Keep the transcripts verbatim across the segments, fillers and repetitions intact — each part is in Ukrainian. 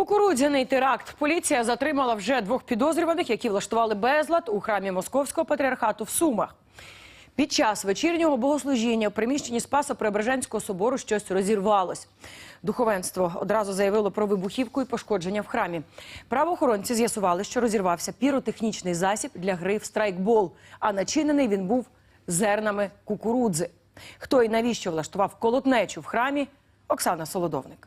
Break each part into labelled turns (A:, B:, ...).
A: Кукурудзяний теракт. Поліція затримала вже двох підозрюваних, які влаштували безлад у храмі Московського патріархату в Сумах. Під час вечірнього богослужіння в приміщенні Спасо-Преображенського собору щось розірвалось. Духовенство одразу заявило про вибухівку і пошкодження в храмі. Правоохоронці з'ясували, що розірвався піротехнічний засіб для гри в страйкбол, а начинений він був зернами кукурудзи. Хто і навіщо влаштував колотнечу в храмі – Оксана Солодовник.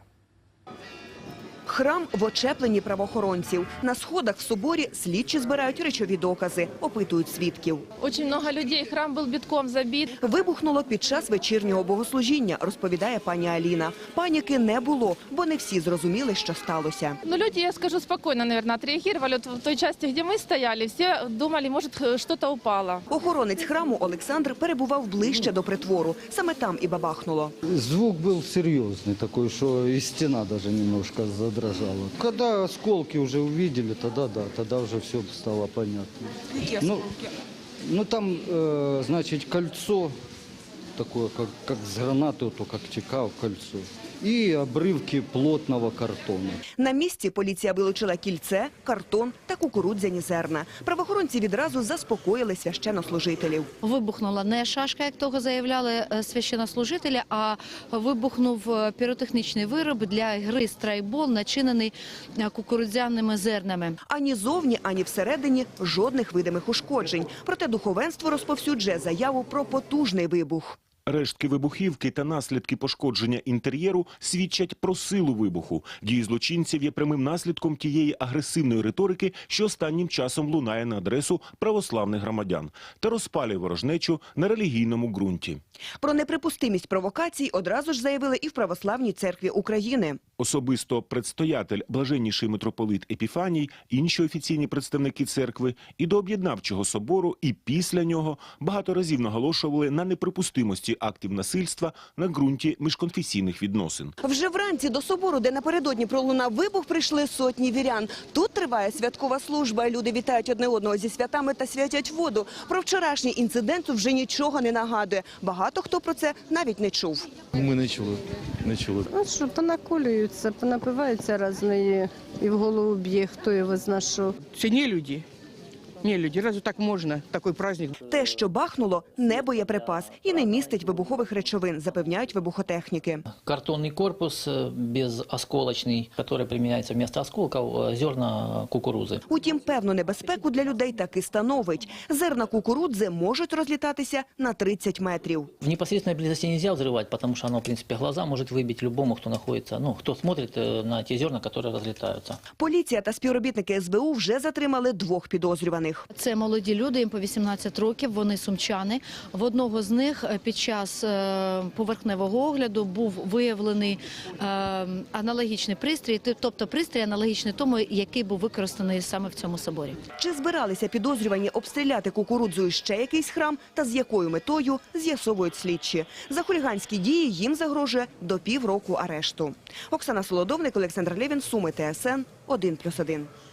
B: Храм в очепленні правоохоронців. На сходах в соборі слідчі збирають речові докази, опитують свідків.
C: Очень много людей, храм был битком забит.
B: Вибухнуло під час вечірнього богослужіння, розповідає пані Аліна. Паніки не було, бо не всі зрозуміли, що сталося.
C: Но люди, я скажу, спокойно, наверное, отреагировали. Вот в той части, где мы стояли, все думали, может, что-то упало.
B: Охоронець храму Олександр перебував ближче до притвору. Саме там і бабахнуло.
D: Звук был серьезный такой, что и стена даже немножко задрожала. Когда осколки уже увидели, тогда да, тогда уже все стало понятно.
B: Какие
D: ну,
B: осколки?
D: ну там, э, значит, кольцо такое, как, как с гранаты, то как текало кольцо. І обривки плотного картону.
B: На місці поліція вилучила кільце, картон та кукурудзяні зерна. Правоохоронці відразу заспокоїли священнослужителів.
E: Вибухнула не шашка, як того заявляли священнослужителі, а вибухнув піротехнічний вироб для гри страйкбол, начинений кукурудзяними зернами.
B: Ані зовні, ані всередині жодних видимих ушкоджень. Проте духовенство розповсюджує заяву про потужний вибух.
F: Рештки вибухівки та наслідки пошкодження інтер'єру свідчать про силу вибуху. Дії злочинців є прямим наслідком тієї агресивної риторики, що останнім часом лунає на адресу православних громадян та розпалює ворожнечу на релігійному ґрунті.
B: Про неприпустимість провокацій одразу ж заявили і в Православній церкві України.
F: Особисто предстоятель, блаженніший митрополит Епіфаній, інші офіційні представники церкви і до об'єднавчого собору, і після нього багато разів наголошували на неприпустимості актів насильства на ґрунті міжконфесійних відносин.
B: Вже вранці до собору, де напередодні пролунав вибух, прийшли сотні вірян. Тут триває святкова служба. Люди вітають одне одного зі святами та святять воду. Про вчорашній інцидент вже нічого не нагадує. Багато хто про це навіть не чув.
G: Ми не чули. Не чули.
H: А що, понаколюються, понапиваються різної, і в голову б'є, хто його зна що.
I: Це не люди. Не люди, разве так можна, такий праздник?
B: Те, що бахнуло, не боєприпас і не містить вибухових речовин, запевняють вибухотехніки.
J: Картонний корпус безосколочний, який приміняється вместо осколків, зерна кукурудзи.
B: Утім, певну небезпеку для людей таки становить. Зерна кукурудзи можуть розлітатися на тридцять метрів.
J: В непосредственной близости нельзя взрывать, потому что оно, в принципе, глаза может выбить любому, кто находится, ну, кто смотрит на те зерна, которые разлетаются.
B: Поліція та співробітники ес бе у вже затримали двох підозрюваних.
E: Це молоді люди, їм по вісімнадцять років, вони сумчани. В одного з них під час поверхневого огляду був виявлений аналогічний пристрій, тобто пристрій аналогічний тому, який був використаний саме в цьому соборі.
B: Чи збиралися підозрювані обстріляти кукурудзою ще якийсь храм та з якою метою, з'ясовують слідчі. За хуліганські дії їм загрожує до півроку арешту. Оксана Солодовник, Олександр Левін, Суми, Т С Н, один плюс один.